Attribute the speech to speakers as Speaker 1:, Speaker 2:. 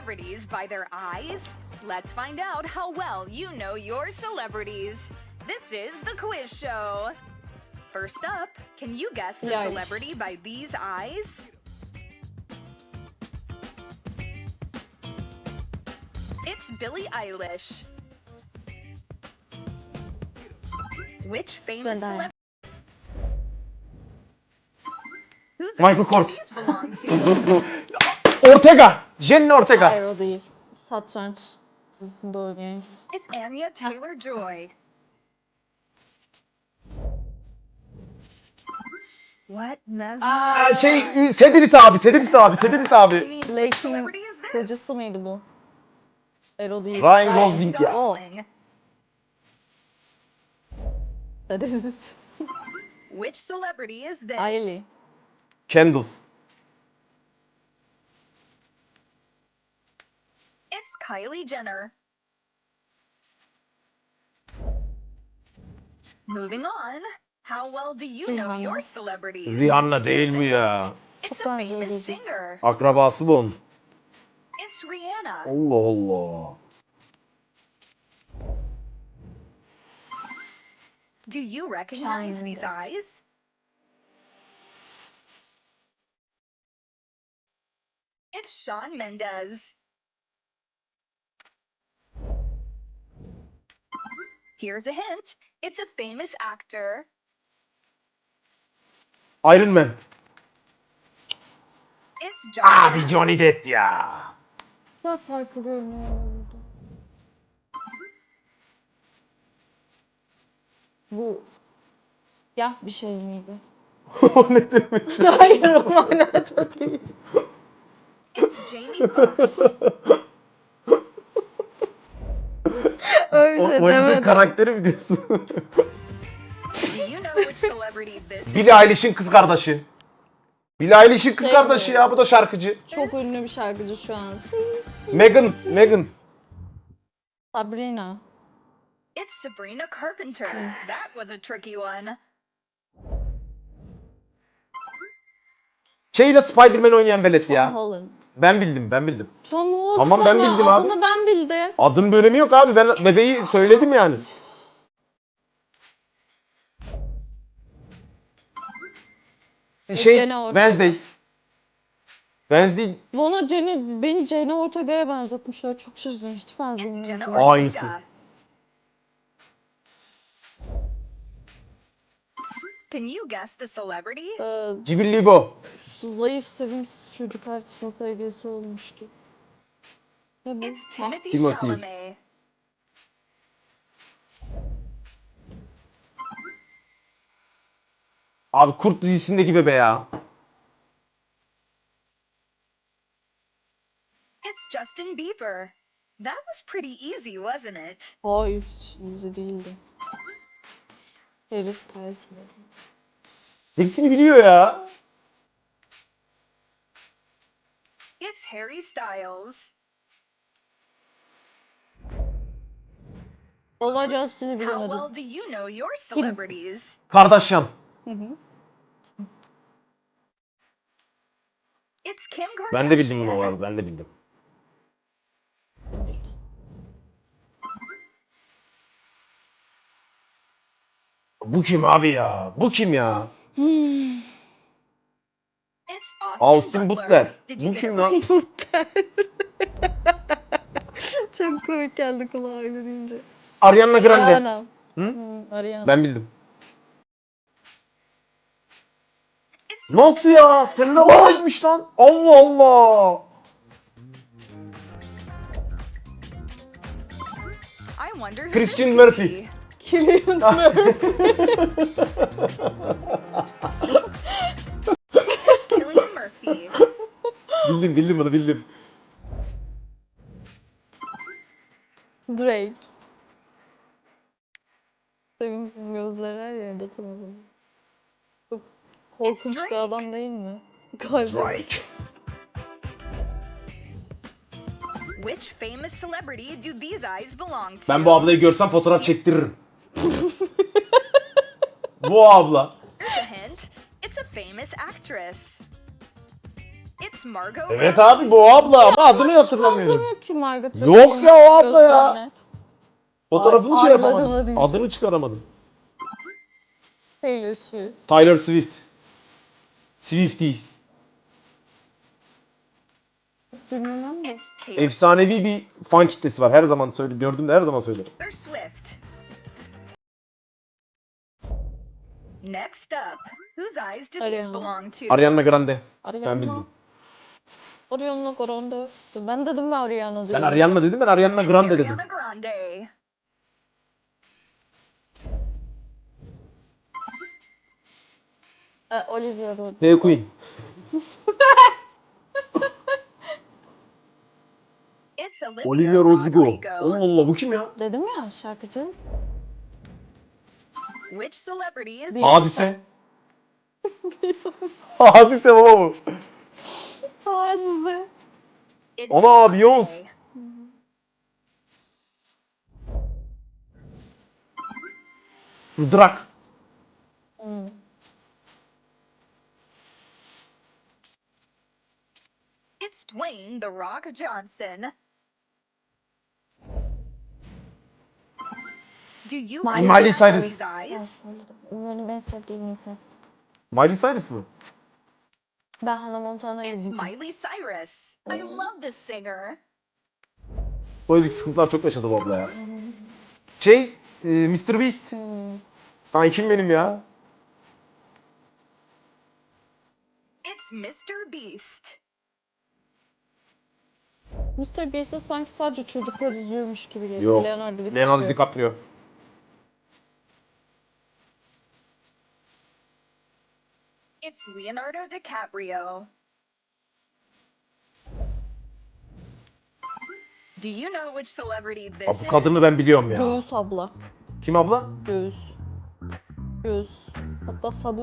Speaker 1: celebrities by their eyes? Let's find out how well you know your celebrities. This is the quiz show. First up, can you guess the celebrity by these eyes? It's Billie Eilish. Which famous celebrity? Whose
Speaker 2: Michael
Speaker 1: eyes do
Speaker 2: Kors.
Speaker 1: these belong to?
Speaker 2: Ortega. Jenny Ortega.
Speaker 3: Hayır o değil. Satranç dizisinde oynayan.
Speaker 1: It's Anya Taylor-Joy. What?
Speaker 2: Sedrit abi. Sedrit abi. Sedrit abi.
Speaker 3: Blake'in kocası mıydı bu? Hayır o değil.
Speaker 2: Ryan Gosling ya.
Speaker 1: Gosling.
Speaker 3: That is it.
Speaker 1: Which celebrity is this?
Speaker 3: Ailey.
Speaker 2: Kendall.
Speaker 1: It's Kylie Jenner. Moving on. How well do you know
Speaker 3: Rihanna.
Speaker 1: your celebrities?
Speaker 2: Rihanna değil mi ya?
Speaker 1: It's
Speaker 3: Çok
Speaker 1: a
Speaker 3: benziyor
Speaker 1: famous
Speaker 3: gözü.
Speaker 1: singer.
Speaker 2: Akrabası bu onun.
Speaker 1: It's Rihanna.
Speaker 2: Allah Allah.
Speaker 1: Do you recognize these eyes? It's Shawn Mendes. Here's a hint. It's a famous actor.
Speaker 2: Iron Man.
Speaker 1: It's John
Speaker 2: Abi
Speaker 1: Depp.
Speaker 2: Johnny Depp ya.
Speaker 3: Daha farklı görünüyor burada. Bu siyah bir şey miydi?
Speaker 2: O ne demek?
Speaker 3: Hayır o manada değil.
Speaker 1: It's Jamie Foxx.
Speaker 3: Öyle
Speaker 2: O oyunun
Speaker 3: demedim.
Speaker 2: karakteri mi diyorsun?
Speaker 1: Do you know which celebrity this is?
Speaker 2: Billie Eilish'in kız kardeşi. Billie Eilish'in kız
Speaker 3: Şey
Speaker 2: kardeşi
Speaker 3: mi?
Speaker 2: ya. Bu da şarkıcı.
Speaker 3: Çok ünlü bir şarkıcı şu an.
Speaker 2: Megan.
Speaker 3: Sabrina.
Speaker 1: It's Sabrina Carpenter. That was a tricky one.
Speaker 2: Şeyle Spider-Man oynayan velet ya.
Speaker 3: Holland.
Speaker 2: Ben bildim.
Speaker 3: Tom Holland.
Speaker 2: Tamam, ben
Speaker 3: ama
Speaker 2: bildim abi.
Speaker 3: Adını ben bildim.
Speaker 2: Adın bir önemi yok abi. Ben bebeği söyledim yani.
Speaker 3: Jenna Ortega.
Speaker 2: Wednesday.
Speaker 3: Bana beni Jenna Ortega'ya benzetmişler. Çok şaşırdım. Hiç
Speaker 1: It's
Speaker 3: benzemiyor.
Speaker 1: Jenna
Speaker 2: Aynısı.
Speaker 1: Ortega. Can you guess the celebrity?
Speaker 2: Cibillibo.
Speaker 3: Zayıf sevimsiz çocuk herkesin sevgilisi olmuştu. Ne bu?
Speaker 1: It's Timothy
Speaker 2: Timothy.
Speaker 1: Chalamet.
Speaker 2: Abi Kurt dizisindeki bebe ya.
Speaker 1: It's Justin Bieber. That was pretty easy, wasn't it?
Speaker 3: Hayır, hiç dizi değildi. Harry Styles mi?
Speaker 2: Hepsini biliyor ya.
Speaker 1: It's Harry Styles.
Speaker 3: Olay Justin'i
Speaker 1: How
Speaker 3: bilemedim.
Speaker 1: well do you know your celebrities?
Speaker 2: Kardashian.
Speaker 3: Hı hı.
Speaker 1: It's Kim Kardashian.
Speaker 2: Ben de bildim bunu arada. Ben de bildim. Bu kim abi ya? Bu kim ya?
Speaker 1: It's
Speaker 2: Austin Butler.
Speaker 1: Did you
Speaker 2: Bu
Speaker 1: get
Speaker 2: kim
Speaker 1: it
Speaker 2: lan?
Speaker 1: right?
Speaker 3: Çok komik geldi kulağa öyle deyince.
Speaker 2: Ariana Grande.
Speaker 3: Ariana.
Speaker 2: Hı?
Speaker 3: Ariana.
Speaker 2: Ben bildim.
Speaker 1: It's
Speaker 2: Nasıl ya? Selena Gomez'miş lan. Allah Allah.
Speaker 1: I wonder who
Speaker 2: Christian
Speaker 1: this could
Speaker 2: Murphy.
Speaker 1: be.
Speaker 3: Cillian Murphy.
Speaker 1: Cillian Murphy.
Speaker 2: Bildim bunu bildim.
Speaker 3: Drake. Sevimsiz gözler her yerde kanalı. Çok korkunç
Speaker 1: Drake.
Speaker 3: bir adam değil mi? Galiba.
Speaker 2: Drake.
Speaker 1: Which famous celebrity do these eyes belong to?
Speaker 2: Ben bu ablayı görsem fotoğraf çektiririm. Bu abla.
Speaker 1: Here's a hint. It's a famous actress. It's Margot
Speaker 2: Evet
Speaker 1: Robbie.
Speaker 2: abi bu abla ama adını hatırlamıyorum.
Speaker 3: Benzemiyor ki Margot
Speaker 2: Yok
Speaker 3: Robbie'nin
Speaker 2: ya, o abla ya.
Speaker 3: gözlerine.
Speaker 2: Fotoğrafını şey
Speaker 3: aylarına
Speaker 2: yapamadım.
Speaker 3: değil.
Speaker 2: Adını çıkaramadım.
Speaker 3: Taylor Swift.
Speaker 2: Taylor Swift. Swifties.
Speaker 3: Bilmem mi?
Speaker 1: It's Taylor
Speaker 2: Efsanevi bir fan kitlesi var. Her zaman gördüğümde her zaman söylerim.
Speaker 1: Swift. Next up, whose eyes do these
Speaker 3: Ariana.
Speaker 1: belong to?
Speaker 2: Ariana Grande.
Speaker 3: Ariana.
Speaker 2: Ben bildim.
Speaker 3: Ariana Grande. Ben dedim mi Ariana
Speaker 2: Sen
Speaker 3: diyorum.
Speaker 2: Ariana dedin, ben Ariana
Speaker 1: It's
Speaker 2: Grande dedim.
Speaker 1: Ariana Grande.
Speaker 3: Olivia Rodrigo.
Speaker 2: Hey Queen.
Speaker 1: It's Olivia,
Speaker 2: Olivia Rodrigo.
Speaker 1: Rodrigo.
Speaker 2: Allah Allah, bu kim ya?
Speaker 3: Dedim ya şarkıcı.
Speaker 1: Which celebrities?
Speaker 3: Bir-
Speaker 2: Hadise. Hadise baba bu.
Speaker 3: Hadi.
Speaker 1: It's
Speaker 2: Ana, Beyoncé. Drak.
Speaker 3: Hmm.
Speaker 1: It's Dwayne The Rock Johnson. Do you
Speaker 2: Miley
Speaker 1: recognize
Speaker 2: Cyrus.
Speaker 1: these eyes?
Speaker 3: Benim en sevdiğim insan.
Speaker 2: Miley Cyrus mı?
Speaker 3: Ben Hannah Montana'yı
Speaker 1: It's
Speaker 3: izledim.
Speaker 1: Miley Cyrus. I love this singer.
Speaker 2: Politik sıkıntılar çok yaşadı bu abla ya. Mr. Beast.
Speaker 3: Hmm.
Speaker 2: Lan kim benim ya?
Speaker 1: It's Mr. Beast.
Speaker 3: Mr. Beast'i sanki sadece çocuklar izliyormuş gibi geliyor.
Speaker 2: Yok.
Speaker 3: Leonardo
Speaker 2: Leonardo DiCaprio.
Speaker 1: It's Leonardo DiCaprio. Do you know which celebrity this
Speaker 2: Abi bu kadını
Speaker 1: is?
Speaker 2: ben biliyorum ya.
Speaker 3: Göğüs abla.
Speaker 2: Kim abla?
Speaker 3: Göğüs. Göğüs. Hatta sabun